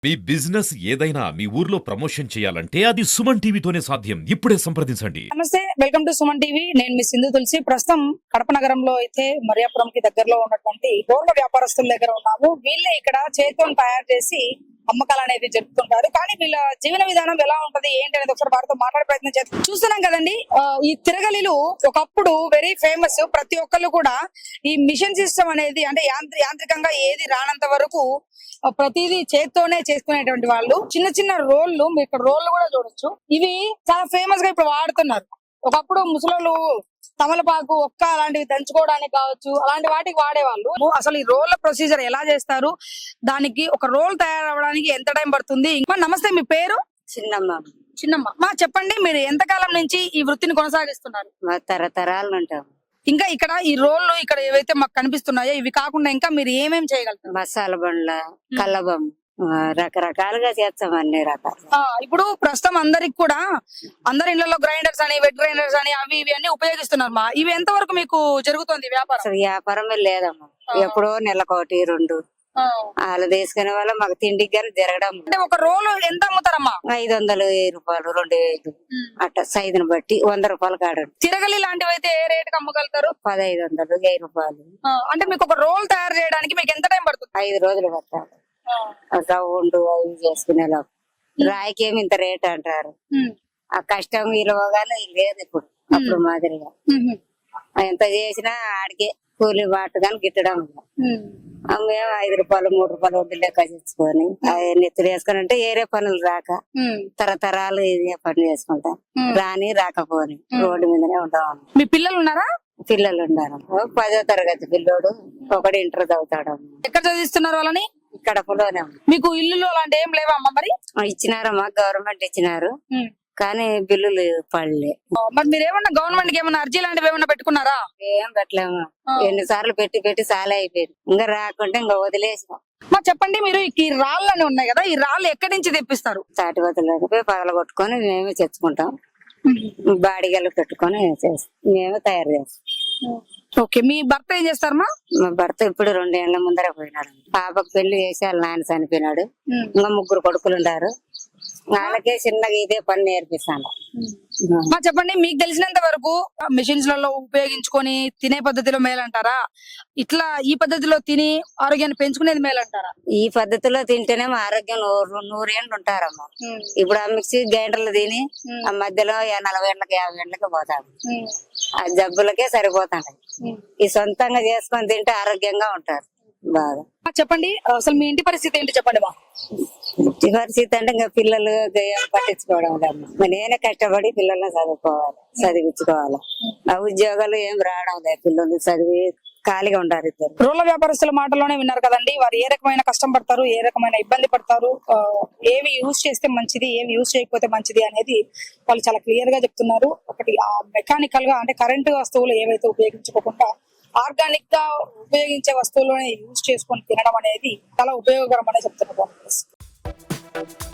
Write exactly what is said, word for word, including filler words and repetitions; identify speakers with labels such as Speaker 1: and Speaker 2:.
Speaker 1: మీ business ఏదైనా మీ ఊర్లో promotion చేయాలంటే అది సుమన్ టీవీతోనే సాధ్యం. ఇప్పుడే సంప్రదించండి.
Speaker 2: నమస్తే, వెల్కమ్ టు సుమన్ టీవీ. నేను మీ సింధు తులసి. ప్రస్తుతం కడప నగరంలో అయితే మరియాపురం కి దగ్గరలో ఉన్నటువంటి రోడ్ల వ్యాపారస్తుల దగ్గర ఉన్నాము. వీళ్ళే ఇక్కడ చేతితో తయారు చేసి అమ్మకాలు అనేది జరుపుతుంటారు. కానీ వీళ్ళ జీవన విధానం ఎలా ఉంటది ఏంటి అనేది ఒకసారి వారితో మాట్లాడే ప్రయత్నం చేస్తాం. చూస్తున్నాం కదండి, ఈ తిరగలిలు ఒకప్పుడు వెరీ ఫేమస్. ప్రతి ఒక్కళ్ళు కూడా ఈ మిషన్ సిస్టమ్ అనేది అంటే యాంత్రికంగా ఏది రానంత వరకు ప్రతిదీ చేత్తోనే చేసుకునేటువంటి వాళ్ళు. చిన్న చిన్న రోళ్లు, మీరు ఇక్కడ రోళ్లు కూడా చూడొచ్చు. ఇవి చాలా ఫేమస్ గా ఇప్పుడు వాడుతున్నారు. ఒకప్పుడు ముసలోళ్ళు తమలపాకు, ఒక్క అలాంటివి దంచుకోవడానికి కావచ్చు, అలాంటి వాటికి వాడేవాళ్ళు. అసలు ఈ రోళ్ల ప్రొసీజర్ ఎలా చేస్తారు, దానికి ఒక రోల్ తయారవడానికి ఎంత టైం పడుతుంది? ఇంకా నమస్తే, మీ పేరు?
Speaker 3: చిన్నమ్మ.
Speaker 2: చిన్నమ్మ. మా చెప్పండి, మీరు ఎంతకాలం నుంచి ఈ వృత్తిని కొనసాగిస్తున్నారు?
Speaker 3: మా తరతరాలు ఉంటాం.
Speaker 2: ఇంకా ఇక్కడ ఈ రోళ్లు ఇక్కడ ఏవైతే మాకు కనిపిస్తున్నాయో ఇవి కాకుండా ఇంకా మీరు ఏమేమి చేయగలుగుతారు?
Speaker 3: మసాలా బండ్ల, కల్లబం, రకరకాలుగా చేస్తాం అన్ని రకాలు.
Speaker 2: ఇప్పుడు ప్రస్తుతం అందరికి కూడా అందరి ఇళ్లలో గ్రైండర్స్ అని, వెట్ గ్రైండర్స్ అని అవి ఇవి అన్ని ఉపయోగిస్తున్నారు. మా ఇవి ఎంత వరకు మీకు జరుగుతుంది వ్యాపారం?
Speaker 3: అసలు వ్యాపారమే లేదమ్మా. ఎప్పుడో నెలకోటి రెండు వాళ్ళు తీసుకునే వాళ్ళ మాకు తిండికి గానీ జరగడం.
Speaker 2: అంటే ఒక రోల్ ఎంత అమ్ముతారమ్మా?
Speaker 3: ఐదు వందలు వెయ్యి రూపాయలు రెండు వేలు అట్లా సైజుని బట్టి వంద రూపాయలు కాడు.
Speaker 2: తిరగలి లాంటివి అయితే ఏ రేట్ కి అమ్మగలుగుతారు?
Speaker 3: పదహైదు వందలు వెయ్యి రూపాయలు.
Speaker 2: అంటే మీకు ఒక రోల్ తయారు చేయడానికి మీకు ఎంత టైం పడుతుంది?
Speaker 3: ఐదు రోజులు పడతారు. రౌండ్ అవి చేసుకునేలా. రాయికేమి ఇంత రేట్ అంటారు. ఆ కష్టం విలువగానే లేదు ఇప్పుడు అప్పుడు మాదిరిగా. ఎంత చేసినా ఆడికే కూలి బాటు కానీ గిట్టడం. మేము ఐదు రూపాయలు మూడు రూపాయలు వడ్డీ లెక్క చేసుకొని నెత్తులు వేసుకొని అంటే ఏరే పనులు రాక తరతరాలు ఇదే పనులు చేసుకుంటాం. రాని రాకపోని రోడ్డు మీదనే ఉంటాం.
Speaker 2: మీ పిల్లలు ఉన్నారా?
Speaker 3: పిల్లలు ఉన్నారు. పదో తరగతి పిల్లోడు, ఒకటి ఇంటర్ చదువుతాడు.
Speaker 2: ఎక్కడ చదివిస్తున్నారు వాళ్ళని?
Speaker 3: కడపలోనే.
Speaker 2: మీకు ఇల్లు అలాంటి ఏం లేవా అమ్మ? మరి
Speaker 3: ఇచ్చినారమ్మా, గవర్నమెంట్ ఇచ్చినారు కానీ బిల్లులు పడలే.
Speaker 2: మరి మీరు ఏమన్నా గవర్నమెంట్ కి ఏమన్నా అర్జీ లాంటివి ఏమన్నా పెట్టుకున్నారా?
Speaker 3: ఏం పెట్టలేము. ఎన్ని సార్లు పెట్టి పెట్టి చాలా అయిపోయింది. ఇంకా రాకుంటే ఇంకా వదిలేసాం.
Speaker 2: మా చెప్పండి, మీరు ఈ రాళ్ళని ఉన్నాయి కదా, ఈ రాళ్ళు ఎక్కడి నుంచి తెప్పిస్తారు?
Speaker 3: తాటి బతులు పగల కొట్టుకొని మేమే తెచ్చుకుంటాం. బాడిగలు పెట్టుకొని మేమే తయారు చేస్తాం.
Speaker 2: ఓకే, మీ భర్త ఏం చేస్తారమ్మా?
Speaker 3: మా భర్త ఇప్పుడు రెండేళ్ల ముందర పోయినాడు. పాపకు పెళ్లి చేసి వాళ్ళ నాన్న చనిపోయినాడు. ఇంకా ముగ్గురు కొడుకులు ఉంటారు. వాళ్ళకే చిన్నగా ఇదే పని నేర్పిస్తాను.
Speaker 2: మా చెప్పండి, మీకు తెలిసినంత వరకు మిషన్స్ లలో ఉపయోగించుకొని తినే పద్ధతిలో మేలంటారా, ఇట్లా ఈ పద్ధతిలో తిని ఆరోగ్యాన్ని పెంచుకునేది మేలంటారా?
Speaker 3: ఈ పద్ధతిలో తింటేనే మా ఆరోగ్యం నూరు నూరేళ్ళు ఉంటారమ్మా. ఇప్పుడు ఆ మిక్సీ గ్రైండర్లు తిని ఆ మధ్యలో నలభై ఏళ్ళకి యాభై ఏళ్ళకి పోతాడు. ఆ జబ్బులకే సరిపోతాడు. ఈ సొంతంగా చేసుకొని తింటే ఆరోగ్యంగా ఉంటారు బాగా.
Speaker 2: చెప్పండి, అసలు మీ ఇంటి పరిస్థితి ఏంటి చెప్పండి మా?
Speaker 3: ఇంటి పరిస్థితి అంటే ఇంకా పిల్లలు ఏం పట్టించుకోవడం లేమ్మా. నేనే కష్టపడి పిల్లల్ని చదువుకోవాలి, చదివించుకోవాలి. ఆ ఉద్యోగాలు ఏం రావడం లేదు. పిల్లలు చదివి ఖాళీగా ఉంటారు ఇద్దరు.
Speaker 2: రోడ్ల వ్యాపారస్తుల మాటలోనే విన్నారు కదండి, వారు ఏ రకమైన కష్టం పడతారు, ఏ రకమైన ఇబ్బంది పడతారు, ఏవి యూజ్ చేస్తే మంచిది, ఏవి యూజ్ చేయకపోతే మంచిది అనేది వాళ్ళు చాలా క్లియర్ గా చెప్తున్నారు. ఒకటి మెకానికల్ గా అంటే కరెంటు వస్తువులు ఏవైతే ఉపయోగించుకోకుండా ఆర్గానిక్ గా ఉపయోగించే వస్తువులను యూజ్ చేసుకొని తినడం అనేది చాలా ఉపయోగకరం అనే చెప్తున్నారు.